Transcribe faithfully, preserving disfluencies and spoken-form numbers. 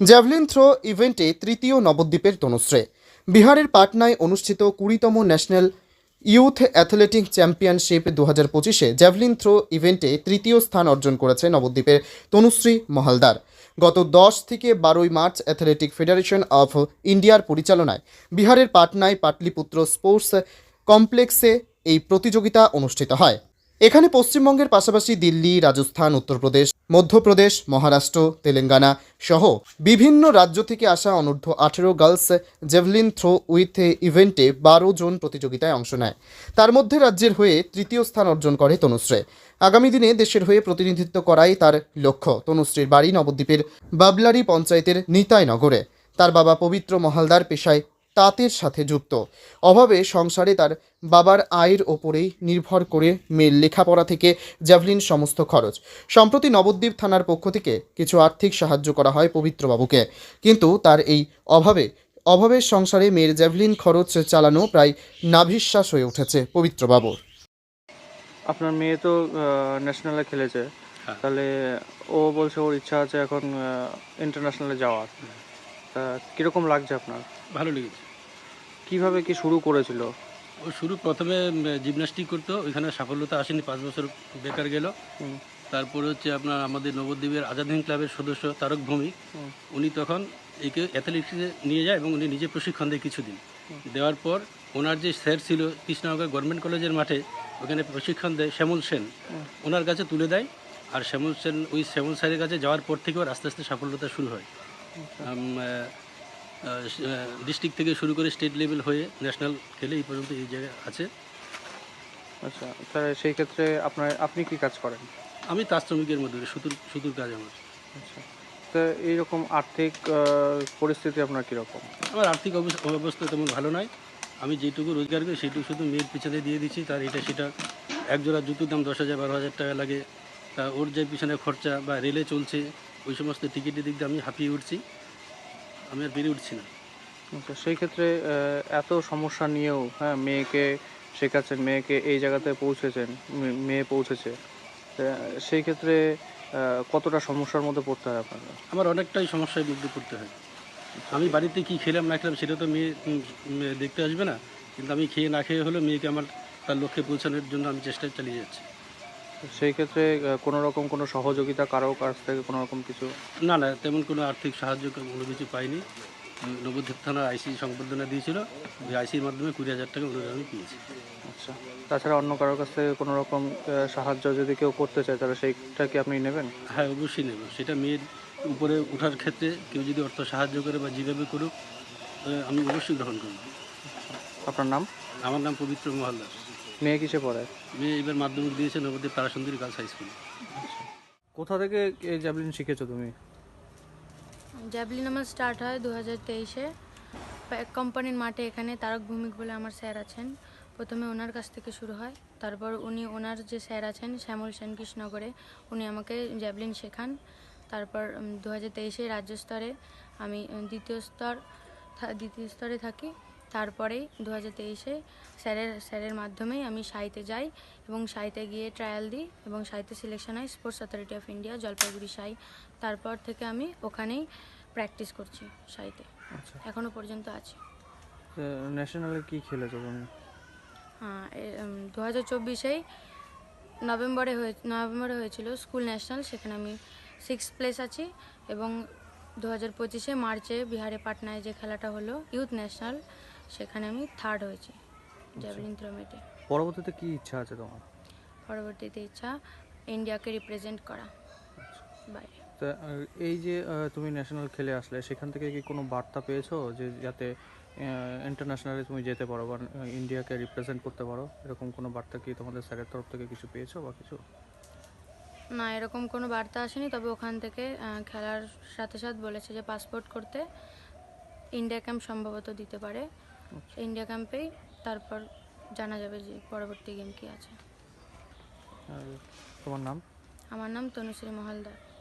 Javelin throw ইভেন্টে তৃতীয় নবদ্বীপের তনুশ্রী। বিহারের পাটনায় অনুষ্ঠিত কুড়িতম ন্যাশনাল ইউথ অ্যাথলেটিক চ্যাম্পিয়নশিপ দু হাজার পঁচিশে জ্যাভলিন থ্রো ইভেন্টে তৃতীয় স্থান অর্জন করেছে নবদ্বীপের তনুশ্রী মহালদার। গত দশ থেকে বারোই মার্চ অ্যাথলেটিক ফেডারেশন অফ ইন্ডিয়ার পরিচালনায় বিহারের পাটনায় পাটলিপুত্র স্পোর্টস কমপ্লেক্সে এই প্রতিযোগিতা অনুষ্ঠিত হয়। এখানে পশ্চিমবঙ্গের পাশাপাশি দিল্লি, রাজস্থান, উত্তরপ্রদেশ, মধ্যপ্রদেশ, মহারাষ্ট্র, তেলেঙ্গানা সহ বিভিন্ন রাজ্য থেকে আসা অনূর্ধ্ব আঠেরো গার্লস জেভলিন থ্রো উইথ ইভেন্টে বারো জন প্রতিযোগিতায় অংশ নেয়। তার মধ্যে রাজ্যের হয়ে তৃতীয় স্থান অর্জন করে তনুশ্রী। আগামী দিনে দেশের হয়ে প্রতিনিধিত্ব করাই তার লক্ষ্য। তনুশ্রীর বাড়ি নবদ্বীপের বাবলারি পঞ্চায়েতের নিতাইনগরে। তার বাবা পবিত্র মহালদার পেশায় তাঁতের সাথে যুক্ত। অভাবে সংসারে তার বাবার আয়ের ওপরেই নির্ভর করে মেয়ের লেখাপড়া থেকে জ্যাভলিন সমস্ত খরচ। সম্প্রতি নবদ্বীপ থানার পক্ষ থেকে কিছু আর্থিক সাহায্য করা হয় পবিত্রবাবুকে, কিন্তু তার এই অভাবে অভাবের সংসারে মেয়ের জ্যাভলিন খরচ চালানো প্রায় নাভিশ্বাস হয়ে উঠেছে পবিত্রবাবুর। আপনার মেয়ে তো ন্যাশনালে খেলেছে, হ্যাঁ। তাহলে ও বলছে ওর ইচ্ছা আছে এখন ইন্টারন্যাশনালে যাওয়ার। তা কীরকম লাগছে আপনার? ভালো লেগেছে। কিভাবে কি শুরু করেছিল? ও শুরু প্রথমে জিমন্যাস্টিক করতো, ওইখানে সাফল্যতা আসেনি, পাঁচ বছর বেকার গেল। হুম, তারপরে হচ্ছে আপনার আমাদের নবদ্বীপের আজাদ হিন্দ ক্লাবের সদস্য তারক ভৌমিক, হুম, উনি তখন একে অ্যাথলেটিক্সে নিয়ে যায় এবং উনি নিজে প্রশিক্ষণ দেয় কিছুদিন। দেওয়ার পর ওনার যে স্যার ছিল কৃষ্ণনগর গভর্নমেন্ট কলেজের মাঠে, ওখানে প্রশিক্ষণ দেয় শ্যামল সেন, হুম, ওনার কাছে তুলে দেয়। আর শ্যামল সেন ওই শ্যামল স্যারের কাছে যাওয়ার পর থেকে ওর আস্তে আস্তে সাফল্যতা শুরু হয়। ডিস্ট্রিক্ট থেকে শুরু করে স্টেট লেভেল হয়ে ন্যাশনাল খেলে এই পর্যন্ত এই জায়গায় আছে। আচ্ছা, তাহলে সেই ক্ষেত্রে আপনার আপনি কি কাজ করেন? আমি তাঁত শ্রমিকের মধ্যে সুতুর সুতুর কাজ আমার। আচ্ছা, তো এইরকম আর্থিক আহ, পরিস্থিতি আপনার কীরকম? আমার আর্থিক অবস্থা অবস্থা তেমন ভালো নয়। আমি যেটুকু রোজগার করি সেইটুকু শুধু মেয়ের পিছনে দিয়ে দিচ্ছি। তার এটা সেটা এক জোড়া জুতোর দাম দশ হাজার বারো হাজার টাকা লাগে। তা ওর যে পিছনে খরচা বা রেলে চলছে ওই সমস্ত টিকিটের দিক দিয়ে আমি হাঁপিয়ে উঠছি, আমি আর পেরে উঠছি না। আচ্ছা, সেই ক্ষেত্রে আহ, এত সমস্যা নিয়েও হ্যাঁ মেয়েকে শেখাচ্ছেন, মেয়েকে এই জায়গাতে পৌঁছেছেন, মে- মেয়ে পৌঁছেছে, তা সেই ক্ষেত্রে আহ, কতটা সমস্যার মধ্যে পড়তে হয় আপনাকে? আমার অনেকটাই সমস্যায় মধ্যে পড়তে হয়। আমি বাড়িতে কি খেলাম না খেলাম সেটা তো মেয়ে উম, মেয়ে দেখতে আসবে না, কিন্তু আমি খেয়ে না খেয়ে হলেও মেয়েকে আমার তার লক্ষ্যে পৌঁছানোর জন্য আমি চেষ্টা চালিয়ে যাচ্ছি। সেই ক্ষেত্রে আহ, কোনো রকম কোনো সহযোগিতা কারো কাছ থেকে কোনো রকম কিছু? না না, তেমন কোনো আর্থিক সাহায্য কোনো কিছু পাইনি। উম, নবদ্বীপ থানার আইসি সংবর্ধনা দিয়েছিল, ওই আইসির মাধ্যমে কুড়ি হাজার টাকা অনুদান আমি পেয়েছি। আচ্ছা, তাছাড়া অন্য কারোর কাছ থেকে কোনো রকম আহ, সাহায্য যদি কেউ করতে চায় তাহলে সেইটা কি আপনি নেবেন? হ্যাঁ, অবশ্যই নেব। সেটা মেয়ের উপরে ওঠার ক্ষেত্রে কেউ যদি অর্থ সাহায্য করে বা যেভাবে করুক, আহ, আমি অবশ্যই গ্রহণ করব। আপনার নাম? আমার নাম পবিত্র মহালদার। মেয়ে কিসে পড়ে? মেয়ে এবার মাধ্যমিক দিয়েছে নবদ্বীপ তারাসুন্দরী গার্লস হাই স্কুলে। কোথা থেকে এই জ্যাভলিন শিখেছো তুমি? জ্যাভলিন আমার স্টার্ট হয় দু হাজার তেইশে কোম্পানির মাঠে। এখানে তারক ভৌমিক বলে আমার স্যার আছেন, প্রথমে ওনার কাছ থেকে শুরু হয়। তারপর উনি ওনার যে স্যার আছেন শ্যামল সেন কৃষ্ণনগরে, উনি আমাকে জ্যাভলিন শেখান। তারপর দু হাজার তেইশে রাজ্য স্তরে আমি উম, দ্বিতীয় স্তর থা- দ্বিতীয় স্তরে থাকি। তারপরেই দু হাজার তেইশে স্যারের স্যারের মাধ্যমেই আমি সাইতে যাই এবং সাইতে গিয়ে ট্রায়াল দিই এবং সাইতে সিলেকশন হয় sports authority of India Jalpaiguri SAI. তারপর থেকে আমি ওখানেই প্র্যাকটিস করছি সাইতে, আচ্ছা, এখনও পর্যন্ত আছি। ন্যাশনালে কি খেলেছো তুমি? হ্যাঁ, দু হাজার চব্বিশেই নভেম্বরে হয়ে নভেম্বরে হয়েছিল স্কুল ন্যাশনাল, সেখানে আমি সিক্স প্লেস আছি। এবং দু হাজার পঁচিশে মার্চে বিহারে পাটনায় যে খেলাটা হলো ইউথ ন্যাশনাল, সেখানে আমি থার্ড হয়েছি জ্যাভলিন থ্রো মিটে। পরবর্তীতে কি ইচ্ছা আছে তোমার? পরবর্তীতে ইচ্ছা ইন্ডিয়াকে রিপ্রেজেন্ট করা বাইরে। তা আহ, এই যে আহ, তুমি ন্যাশনাল খেলে আসলে সেখান থেকে কি কোনো বার্তা পেয়েছো যে যাতে ইন্টারন্যাশনালে তুমি যেতে পারো বা ইন্ডিয়াকে রিপ্রেজেন্ট করতে পারো, এরকম কোনো বার্তা কি তোমাদের স্যারের তরফ থেকে কিছু পেয়েছো বা কিছু? না, এরকম কোনো বার্তা আসেনি, তবে ওখান থেকে আহ, খেলার সাথে সাথে বলেছে যে পাসপোর্ট করতে ইন্ডিয়া ক্যাম্প সম্ভবত দিতে পারে। ইন্ডিয়া ক্যাম্পেই তারপর জানা যাবে যে পরবর্তী গেম কী আছে। আর তোমার নাম? আমার নাম তনুশ্রী মহালদার।